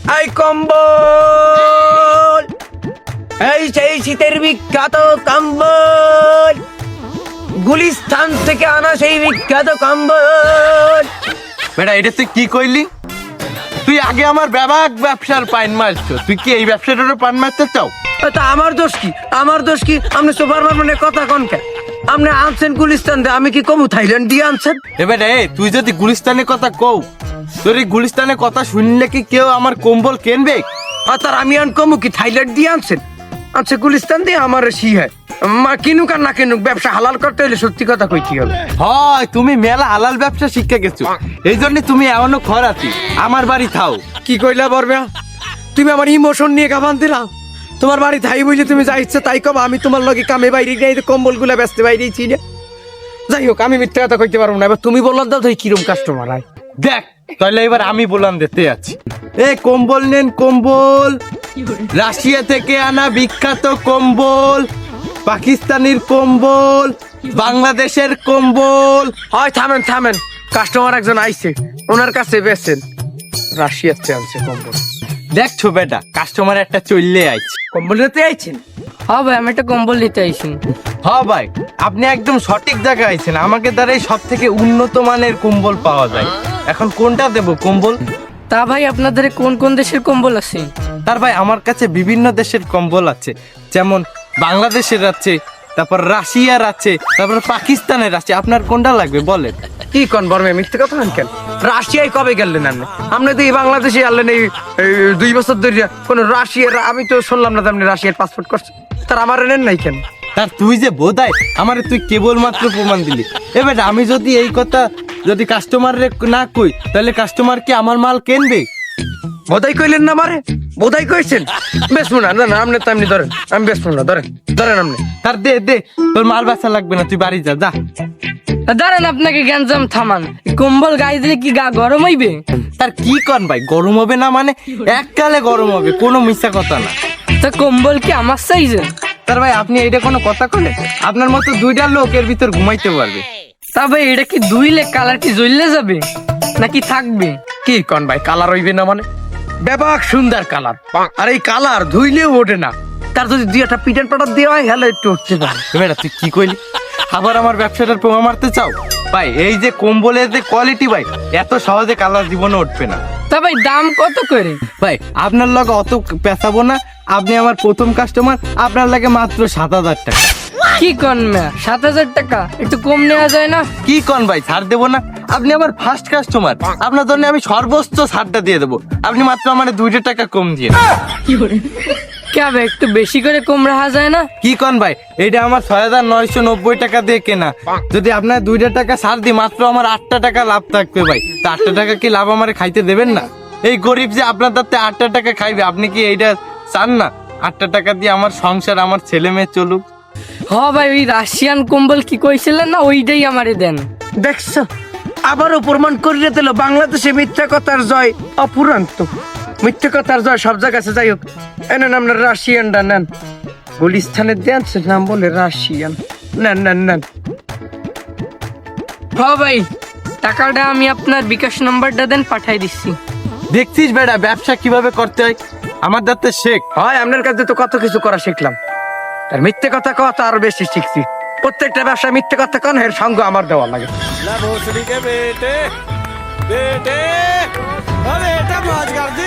এই কম্বল, এই সেই শীতের বিখ্যাত কম্বল, গুলিস্তান থেকে আনা সেই বিখ্যাত কম্বল। বেটা এটা তুই কি কইলি? তুই আগে আমার ব্যবসার পাইন মারছো, তুই কি এই ব্যবসাটারও পান মারতে চাও? তা আমার দোষ কি? আমার দোষ কি? আপনি সুপার মার্কেটের কথা কোন কেন? আপনি আনছেন গুলিস্তান দিয়ে, আমি কি কমু থাইল্যান্ড দিয়ে আনছেন? এবার তুই যদি গুলিস্তানের কথা কও, তোর এই গুলিস্তানের কথা শুনলে কি কেউ আমার কম্বল কিনবে? আর তার আমি আন কমু কি থাইল্যান্ড দিয়ে আনছেন? আনছে গুলিস্তান দিয়ে, আমার সি হয় কিনুক আর না কিনুক, ব্যবসা হালাল করতে হলে সত্যি কথা কইতে হবে। হয় তুমি মেলা হালাল ব্যবসা শিক্ষা গেছো, এই জন্য তুমি এমনও খরাতি আমার বাড়ি থাও। কি কইলা বরবে? তুমি আমার ইমোশন নিয়ে গাবান দিলা। তোমার বাড়ি থাই বুঝলে তুমি যা ইচ্ছে তাই কব, আমি তোমার লগে কামে বাইরে যাই, কম্বল গুলা বেচতে বাইরেছি না। যাই হোক, আমি মিথ্যা কথা কইতে পারবো না। এবার তুমি বললাম দাও, তুই কিরম কাস্টমার হয় দেখ, তাহলে এবার আমি বললাম দিতে আছি। এই কম্বল নেন, কম্বল রাশিয়া থেকে আনা বিখ্যাত কম্বল, পাকিস্তানের কম্বল, বাংলাদেশের কম্বল। হয় থামেন থামেন, কাস্টমার একজন আইছে, ওনার কাছে বেচেন। রাশিয়াতে আনছে কম্বল। দেখছো বেটা, কাস্টমার একটা চললে আইছে। কম্বল নিতে আইছেন? হ্যাঁ ভাই, আমি একটা কম্বল নিতে আইছি। হ্যাঁ ভাই, আপনি একদম সঠিক জায়গায় আইছেন। আমাকে দ্বারাই সব থেকে উন্নত মানের কম্বল পাওয়া যায়। এখন কোনটা দেব কম্বল? তা ভাই আপনাদের কোন কোন দেশের কম্বল আছে? তার ভাই আমার কাছে বিভিন্ন দেশের কম্বল আছে, যেমন বাংলাদেশের আছে, তারপর রাশিয়ার আছে, তারপর পাকিস্তানের আছে। আপনার কোনটা লাগবে বলেন? কি কোন বর্মে মিথ্যে কথা কেন? রাশিয়ায় কবে গেলেন আপনি? আপনি তো এই বাংলাদেশে আনলেন এই 2 বছর ধরে। কোন রাশিয়ার আমি তো শুনলাম না আপনি রাশিয়ার পাসপোর্ট করছেন, তার আমার নেন নাই কেন? তার তুই যে বোধাই আমারে তুই কেবলমাত্র প্রমাণ দিলি। এবার আমি যদি এই কথা যদি কাস্টমারে না কই, তাহলে কাস্টমার কি আমার মাল কিনবে? বোধাই কইলেন না মারে? বোধাই কইছেন? বেশমু না, না আপনি তো এমনি ধরেন, আমি বেশমু না, ধরেন ধরেন আপনি। তার দে দে, তোর মাল বেচা লাগবে না, তুই বাড়ি যা যা। দাঁড়ান, আপনাকে গ্যাঞ্জাম থামান। কম্বল গায়ে দিলে কি গা গরম হইবে? তার কি কন ভাই, গরম হবে না মানে এককালে গরম হবে, কোনো মিথ্যা কথা না। তা কম্বল কি আমার সাইজে? তার ভাই আপনি এইটা কোনো কথা কলে? আপনার মতো 2টা লোক এর ভিতর ঘুমাইতে পারবে। তা ভাই এটা কি ধুইলে কালার কি জ্বললে যাবে নাকি থাকবে? কি কোন ভাই, কালার হইবে না মানে? ব্যাপক সুন্দর কালার, আর এই কালার ধুইলেও ওঠে না। তার যদি 2-একটা পিটার পাটার দেওয়া হয়, হ্যালো একটু উঠতে পারে। বেটা তুই কি কইলি? আবার আমার ব্যবসাটার প্রমাণ মারতে চাও? ভাই এই যে কম্বলের যে কোয়ালিটি ভাই, এত সহজে কালার জীবনে উঠবে না। তা ভাই দাম কত করে? ভাই আপনার লগে অত পেঁচাবো না, আপনি আমার প্রথম কাস্টমার, আপনার লাগে মাত্র 7,000 টাকা। কি কন ম্যা, 7,000 টাকা একটু কম নেওয়া যায় না? কি কন ভাই, ছাড় দেবো না? আপনি আমার ফার্স্ট কাস্টমার, আপনার জন্য আমি সর্বোচ্চ ছাড়টা দিয়ে দেবো। আপনি মাত্র আমার 2 টাকা কম দিয়ে দেন। কে ভাই একটু বেশি করে কম রাখা যায় না? কি কন ভাই, এইটা আমার 6,990 টাকা দিয়ে কেনা। যদি আপনার 2 টাকা ছাড় দিই, মাত্র আমার 8 টাকা লাভ থাকবে ভাই। তা 8 টাকা কি লাভ আমার খাইতে দেবেন না? এই গরিব যে আপনার তাতে 8 টাকা খাইবে, আপনি কি এইটা চান না? 8 টাকা দিয়ে আমার সংসার, আমার ছেলে মেয়ে চলুক। হ ভাই, ওই রাশিয়ান কম্বল কি কইছিলেন না, ওইটাই আমারে দেন। দেখছো, আবারও প্রমাণ করিয়ে দিল বাংলাদেশে মিথ্যা কথার জয় অপুরান্ত। মিথ্যা কথার জয় সব জায়গায়। যাই হোক, এনেন আপনার রাশিয়ানটা নেন। গুলিস্তানের দেন নাম বলে রাশিয়ান, নেন নেন নেন। হ ভাই, টাকাটা আমি আপনার বিকাশ নাম্বারটা দেন, পাঠাই দিচ্ছি। দেখছিস বেটা ব্যবসা কিভাবে করতে হয়, আমার দাঁতে শেখ। হয় আপনার কাছে তো কত কিছু করা শিখলাম, আর মিথ্যে কথা কথা আরো বেশি শিখছি। প্রত্যেকটা ব্যবসা মিথ্যে কথা কন, এর সঙ্গ আমার দেওয়া লাগে। बेटे बेटे अरे बेटा मौज कर दी।